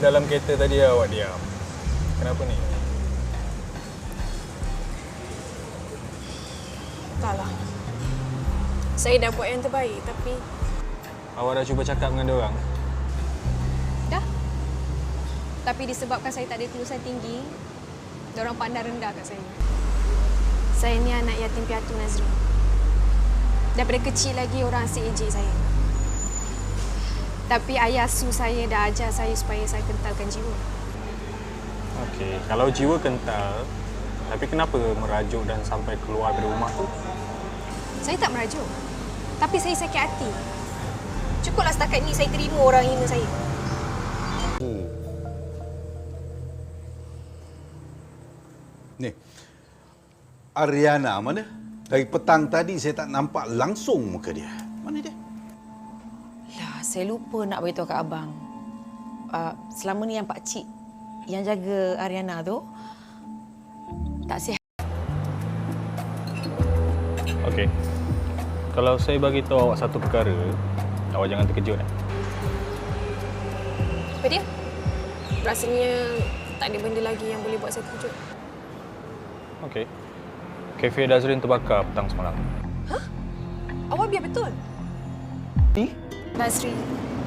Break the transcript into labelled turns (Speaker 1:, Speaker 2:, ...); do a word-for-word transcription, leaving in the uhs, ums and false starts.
Speaker 1: dalam kereta tadi awak diam. Kenapa ni?
Speaker 2: Entahlah. Saya dah buat yang terbaik, tapi...
Speaker 1: Awak dah cuba cakap dengan diorang?
Speaker 2: Dah. Tapi disebabkan saya tak ada kelulusan tinggi, diorang pandang rendah kat saya. Saya ni anak yatim piatu, Nazri. Daripada kecil lagi orang asyik ejek saya. Tapi ayah asuh saya dah ajar saya supaya saya kentalkan jiwa.
Speaker 1: Okey, kalau jiwa kental, tapi kenapa merajuk dan sampai keluar dari rumah tu?
Speaker 2: Saya tak merajuk. Tapi saya sakit hati. Cukuplah setakat ni saya terima orang hina saya.
Speaker 3: Hmm. Ni, Ariana mana? Dari petang tadi saya tak nampak langsung muka dia. Mana dia?
Speaker 4: Lah, saya lupa nak beritahu kat abang. Uh, selama ni yang Pak Cik yang jaga Ariana tu tak sihat.
Speaker 1: Okey. Kalau saya bagi tahu awak satu perkara, awak jangan terkejut. Eh?
Speaker 2: Apa dia? Rasanya tak ada benda lagi yang boleh buat saya terkejut.
Speaker 1: Okey. Kafe Dazrin terbakar petang semalam.
Speaker 2: Hah? Awak biar betul?
Speaker 1: Eh?
Speaker 2: Nazri,